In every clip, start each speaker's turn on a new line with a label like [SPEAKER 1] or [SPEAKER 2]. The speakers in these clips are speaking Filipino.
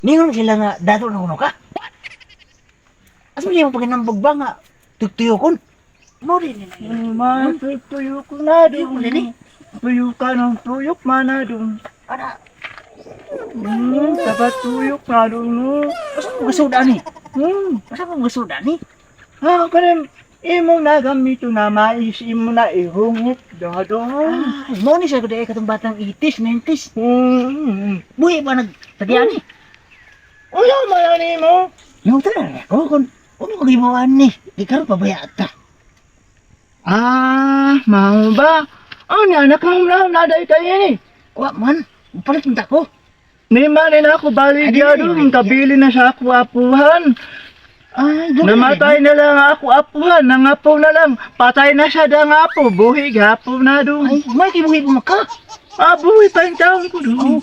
[SPEAKER 1] Ningon sila nga dato na kuno ka. Asa mo yung paginambog ba nga tugtuyo kon? Mo rin nila.
[SPEAKER 2] Tuyok na
[SPEAKER 1] Di mo rin eh.
[SPEAKER 2] Tuyok ka ng tuyok manadong.
[SPEAKER 1] Ana,
[SPEAKER 2] Dapat tuyok na dong.
[SPEAKER 1] asa mo gasuda ni? Asa mo gasuda ni?
[SPEAKER 2] Kanem, imo na gamito na mais, imo na ihungit. Dadong.
[SPEAKER 1] Mo ni siya kuday katong batang 80s, 90s. Buhi ba nagtagyan ni?
[SPEAKER 2] Uya mayan mo.
[SPEAKER 1] Yung tala ako kung ano ko gibuan ni? Di karon pabayaan ka.
[SPEAKER 2] Mau ba? Ni anak mo na naday kayo ni.
[SPEAKER 1] Wa man, palit mo ko.
[SPEAKER 2] Ni manin ako baligya dong, kabili na sa ako apuhan.
[SPEAKER 1] Ay, dugay
[SPEAKER 2] Namatay na lang ako apuhan, nangapo na lang. Patay na siya dang apo, buhig apo na dong.
[SPEAKER 1] Ay, may kibuhi mo ka.
[SPEAKER 2] Buhi pa yung taon ko dong.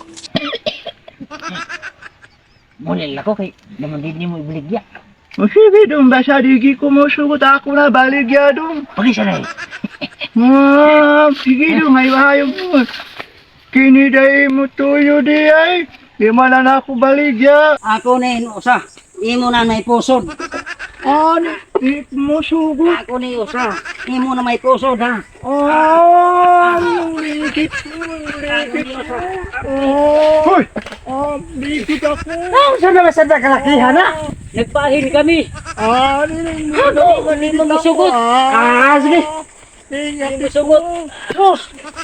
[SPEAKER 1] Mulil ako kay naman din mo ibaligya.
[SPEAKER 2] Sige dong, basta digi ko mo sugot ako na baligya dong.
[SPEAKER 1] Pagisa na eh.
[SPEAKER 2] Sige dong, ay hayog mo. Kiniday mo tuyo di ay. Di man na ako baligya.
[SPEAKER 3] Ako na inusa. Imo na may pusod.
[SPEAKER 2] Di mo sugot.
[SPEAKER 3] Ako na usa. Imo na may pusod ha.
[SPEAKER 2] Ligit mo, ligit mo. Hoy! Ligit ako.
[SPEAKER 3] Saan naman sa kalakihan ha? Nagpahin kami. Hindi mo masugot. Sige. Hindi mo sugot. Sus!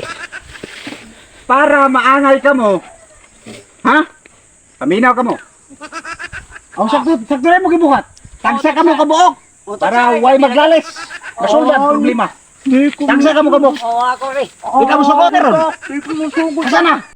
[SPEAKER 3] Para maangal ka mo. Ha? Paminaw ka mo. Ang sakto rin mo gibuhat. Tagsa ka mo kabuok. Para way maglalis. Masuldan problema.
[SPEAKER 2] Di ko
[SPEAKER 3] Tagsa ka mo kabuok. Oo, ako rin.
[SPEAKER 1] Di ka mo sugot ron.
[SPEAKER 2] Di ko mo sugot.
[SPEAKER 3] Asa na?